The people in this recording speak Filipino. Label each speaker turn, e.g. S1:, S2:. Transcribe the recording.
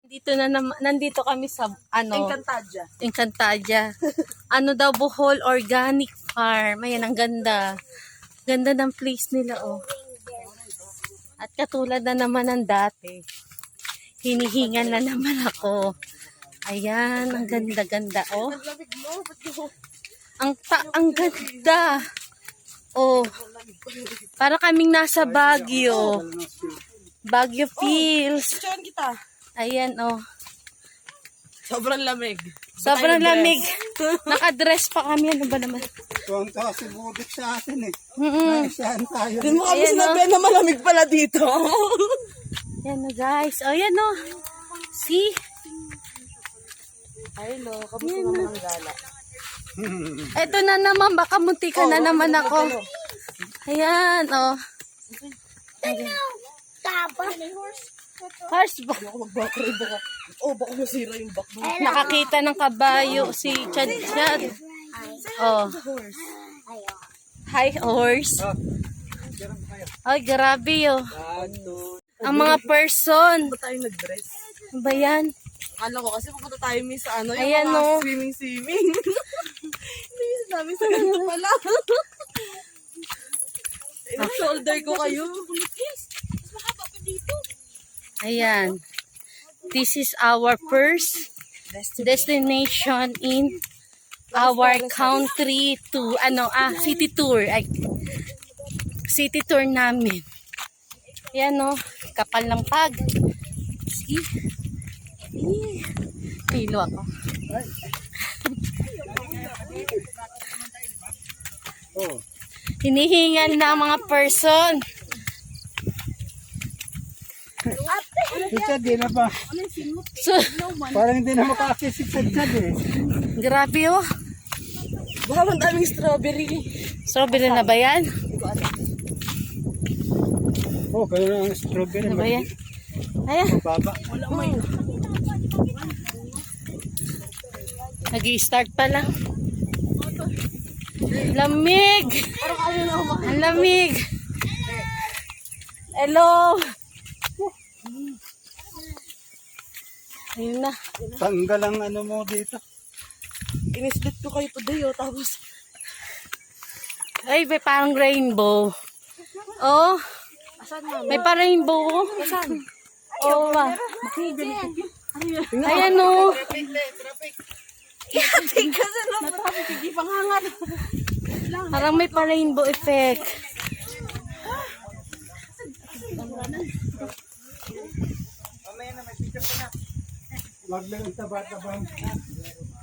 S1: Nandito kami sa
S2: Encantadia.
S1: Encantadia. Daw Bohol Organic Farm. Ayan, ang ganda. Ganda ng place nila, oh. At katulad na naman ng dati. Hinihingan na naman ako. Ayan, ang ganda-ganda, oh. Ang ganda. Oh. Para kaming nasa Baguio. Baguio feels.
S2: Picturean kita.
S1: Ayan, oh.
S2: Sobrang lamig.
S1: Sobrang lamig. Nakadress pa kami. Ano ba naman?
S3: Tuwang tawa si Budit sa atin eh.
S1: Mm-mm.
S3: Saan tayo?
S2: Hindi mo kami
S1: Ayan,
S2: sinabi na malamig pala dito.
S1: Yan na, guys. Oh, yan, oh. See?
S2: Ay, no. Kamusta naman ang gala?
S1: Eto na naman. Baka munti ka na naman ako. Ayan, oh. Horse ba?
S2: Ako mag-backride baka. Oh, baka masira yung back mo.
S1: Nakakita ng kabayo si Chad Chad. Oh. Hi, horse. Ay, grabe, oh. Ang mga person.
S2: Ba tayo nag-dress?
S1: Ano ba yan?
S2: Akala ko kasi pupunta tayo sa yung
S1: Ayan,
S2: mga
S1: no.
S2: swimming. Hindi namin sa ganito pala. Shoulder ko kayo.
S1: Ayan. This is our first destination in our country to city tour. Ay, city tour namin. Ayan, no. Kapal ng pag. See? Pilo ako.
S3: Oh.
S1: Hinihingal na ang mga person.
S3: Siya, di na pa.
S1: So,
S3: Parang hindi na makakisip sa Chad eh.
S1: grabe, oh.
S2: Baka ang daming strawberry.
S1: Strawberry na ba yan?
S3: Oh, kaya na ang strawberry.
S1: Ano ba yan? Ayan.
S3: Baba.
S1: Nag-i-start pa lang. Lamig! Ang lamig! Hello! Ayun na.
S3: Tanggal ang ano mo dito.
S2: Inislit ko kayo today, oh. Tapos,
S1: Ay, may parang rainbow. Oh, may parang rainbow.
S2: saan?
S1: Oh, ba? Ayan, oh.
S2: Ihating kasi lang. Matapos, hindi panghangat.
S1: Parang may parang rainbow effect.
S3: Wag lang ang taba-tabang.